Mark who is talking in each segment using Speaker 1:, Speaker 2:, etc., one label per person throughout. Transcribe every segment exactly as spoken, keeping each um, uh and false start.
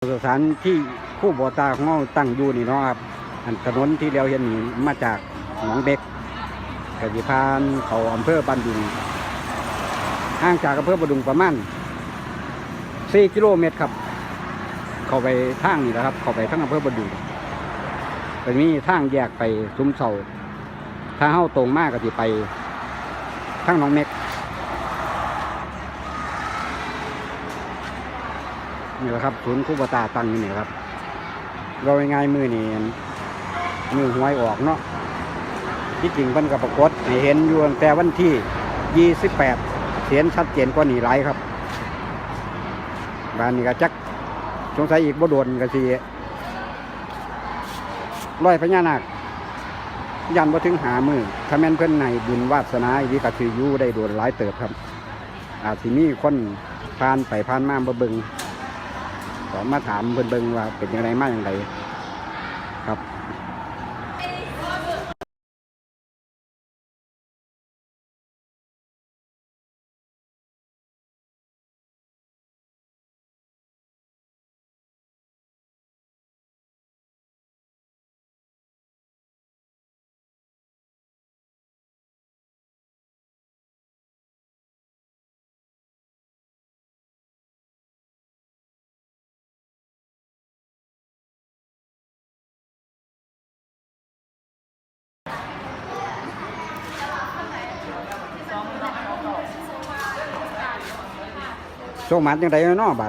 Speaker 1: สถานที่คู่บ่อตาของเราตั้งอยู่นี่เนาะครับอันถนนที่เราเห็นนี่มาจากหนองเบ็กกสิพานเขาอำเภอบ้านดุงห่างจากอำเภอบ้านดุงประมาณสี่กิโลเมตรครับเข้าไปทางนี่แหละครับเข้าไปทางอำเภอบ้านดุงไปมีทางแยกไปซุ้มเสาถ้าเข้าตรงมากก็จะไปทางหนองเม็กนี่แหละครับศูนย์คู่บ่อตาตั้งอยู่นี่ครับเราง่ายมือนี่มือหวยออกเนาะที่จริงเพิ่นกับปรากฏให้เห็นอยู่ตั้งแต่วันที่ยี่สิบแปดเห็นชัดเจนกว่านี้หลายครับบ้านนี้ก็จักสงสัยอีกบ่โดนก็สิร้อยพญานาคยันบ่ถึงหามือถ้าแม่นเพิ่นในบุญวาสนาอีกก็สิอยู่ได้โดนหลายเติบครับอาจสิมีคนผ่านไปผ่านมาบ่เบิ่งก็มาถามเพิ่นเบิ่งว่าเป็นจังไดมาจังไดครับโชคหมันจังไดเนาะบัด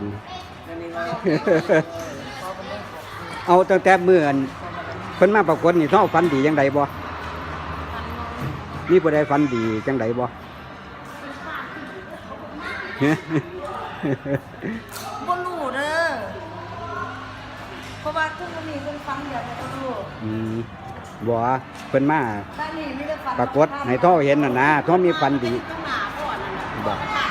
Speaker 1: เอาตั้งแต่เมื่อเพิ่นมาปรากฏนี่เฮาฝันดีจังไดบ่มีผู้ใดฝันดีจังไดบ่
Speaker 2: บ่รู้เด้อเพราะว่าทุกมื้อนี้เพิ่นฟังเดี๋ยวจะบ่รู้
Speaker 1: อืมบ่เพิ่นมา
Speaker 2: บ้านนี้มีแต่ฟัง
Speaker 1: ปรากฏให้ท่อเห็นน่ะนะท่อมีฝันดีบ่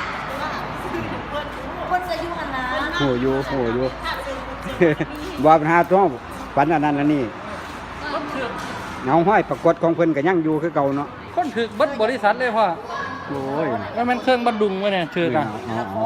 Speaker 2: เพิ่นจะอยู่หั่นนะ
Speaker 1: โหอยู่โหอยู่ บ่ปัญหาท่อฝันอันนั้นอันนี้เงาห้อยปรากฏของเพิ่นก็ยังอยู่คือเก่าเนาะ
Speaker 3: คนถือเบิดบริษัทเลยพ่อ
Speaker 1: โอ้ย
Speaker 3: แล้วมันเครื่องบัดดุงไว้เนี่ยถือกัน
Speaker 1: อ๋อ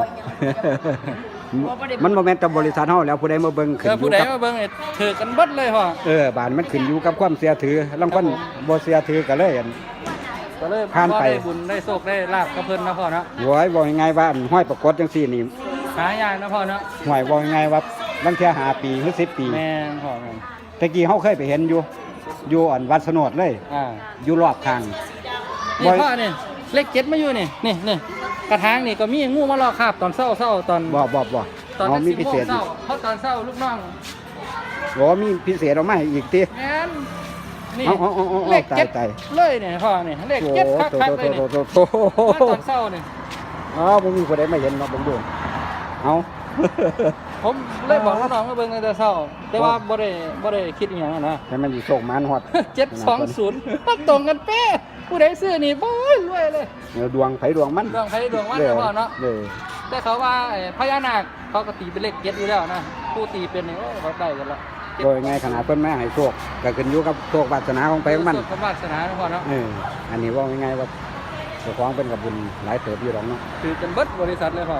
Speaker 1: มันบ่แม่นแต่บริษัทเฮาแล้วผู้ใดมาเบิ่งขึ้น
Speaker 3: เออ
Speaker 1: อ
Speaker 3: ผู้
Speaker 1: ยู่
Speaker 3: ใด
Speaker 1: กับ
Speaker 3: มาเบิ่งเนี่ยถือกันเบิดเลยพ่อ
Speaker 1: เออบานมันขึ้นอยู่กับความเสียถือลางคนบ่เสียถือก็เลยอั่น
Speaker 3: ก็เลย
Speaker 1: ผ่านไป
Speaker 3: ได้บุญได้โชคได้ลาบกับเพิ่นนะพ่อเนาะ
Speaker 1: โว้ยบอกยังไงว่าอันห้อยปรากฏจังซี่นี่
Speaker 3: หายากนะพ่อเนาะ
Speaker 1: ห้อยบอกยังไงว่าบางเที่ยห้าปีหรือสิบปี
Speaker 3: แม่นพ่อแม่น
Speaker 1: ตะกี้เฮาเคยไปเห็นอยู่อยู่อันวัดสนดเลย
Speaker 3: อ่า
Speaker 1: อยู่รอบทาง
Speaker 3: นี่พ่อนี่เลขเจ็ดมาอยู่นี่นี่นี่กระถางนี่ก็มีงูมาลอกคราบตอนเช้าเช้าตอน
Speaker 1: บ่บ่บ่
Speaker 3: ตอน
Speaker 1: อ๋อมี
Speaker 3: สิบ
Speaker 1: พิ
Speaker 3: โม
Speaker 1: เศ
Speaker 3: ง
Speaker 1: ษ
Speaker 3: เช้าเพราะตอนเช้าลูกน้อง
Speaker 1: บ่มีพิเศษเอามาให้อีกติ
Speaker 3: แม่นนี่
Speaker 1: เอาเอาเอาเอา
Speaker 3: เลขเจ็ด
Speaker 1: ตาย
Speaker 3: เลยเนี่ยพ่อนี่เลข
Speaker 1: โอ้
Speaker 3: เจ็ด
Speaker 1: โห
Speaker 3: คักๆเลยนี่
Speaker 1: โตโตโตโต
Speaker 3: มาตอนเช้านี่
Speaker 1: อ๋อบ่มีผู้ใดมาเห็นเนาะเบิ่งดูเอา
Speaker 3: ผมเลยบอกน้องๆมาเบิ่งในแต่เช้าแต่ว่าบ่ได้บ่ได้คิดอหย่างนั้นนะ
Speaker 1: ให้มันอยู่โชคมานฮอด
Speaker 3: เจ็ดสองศูนย์มันตรงกันเป๊ะผู้ใดซื้อนี่บ่ยรวยเลย
Speaker 1: เดี๋ยวดวงไผดวงมัน
Speaker 3: ดวงไผดวงมันนะพ่อเนาะ
Speaker 1: เออ
Speaker 3: แต่เขาว่าไอ้พญานาคเขาก็ตีเป็นเลขเจ็ดอยู่แล้วนะผู้ตีเป็นนี่โอ้ยเขาได้กันละ
Speaker 1: โดยไงขนาดเพิ่นมาให้โชคก็ขึ้นอยู่กับโชควาสนาของไผของมัน
Speaker 3: เขาวาสนานะพ่อเนาะ
Speaker 1: เอออันนี้ว่าง่ายๆว่าเจ้าของเป็นกับบุญหลายเติบอยู่หรอกเนาะ
Speaker 3: คือจนเบิดบริษัทเลยพ่อ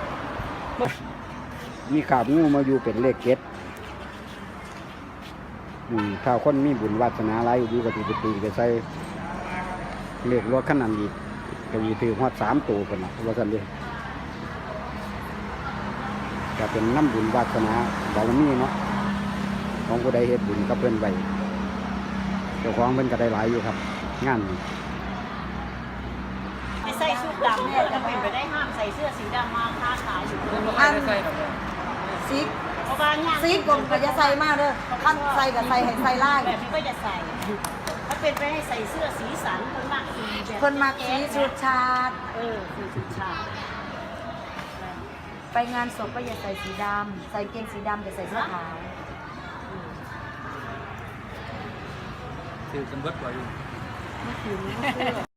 Speaker 1: มีขาบงูมาอยู่เป็นเลขเจ็ดอืมถ้าคนมีบุญวาสนาหลายอยู่กับตีไปตีไปใส่เลขรถขนาดนี้ก็มีถือฮอดสามตัวคนนะว่าสันเดียก็เป็นน้ำบุญวาสนาบารมีเนาะของผู้ใดเฮ็ดบุญกับเพิ่นไว้เจ้าของเพิ่นก็ได้หลายอยู่ครับ งานนี้
Speaker 4: ไม่ใส่ชุดดำเนี่ยจะเป็นไปได้ห้ามใส่เสื้อสีดำมาค้าขายอยู่
Speaker 3: อันใส่ดอก
Speaker 2: สี
Speaker 4: เพราะว่าเนี่ย
Speaker 2: สีกลมก็จะใส่มาเด้อคันใส่ก็ใส่ให้ใส่ลาย
Speaker 4: แบบนี้ก็จะใส่ถ้าเป็นไปให้ใส่เสื้อสีสันคนมากสีแบบ
Speaker 2: เพิ่นมักสีชุดชาติ
Speaker 4: เออสีชุดชาติ
Speaker 2: ไปงานศพก็อย่าใส่สีดำใส่เกงสีดำแต่ใส่เสื้อขาว
Speaker 3: คือจนเบิดบ่อยู่
Speaker 2: ไม่ถึงไม่เชื่อ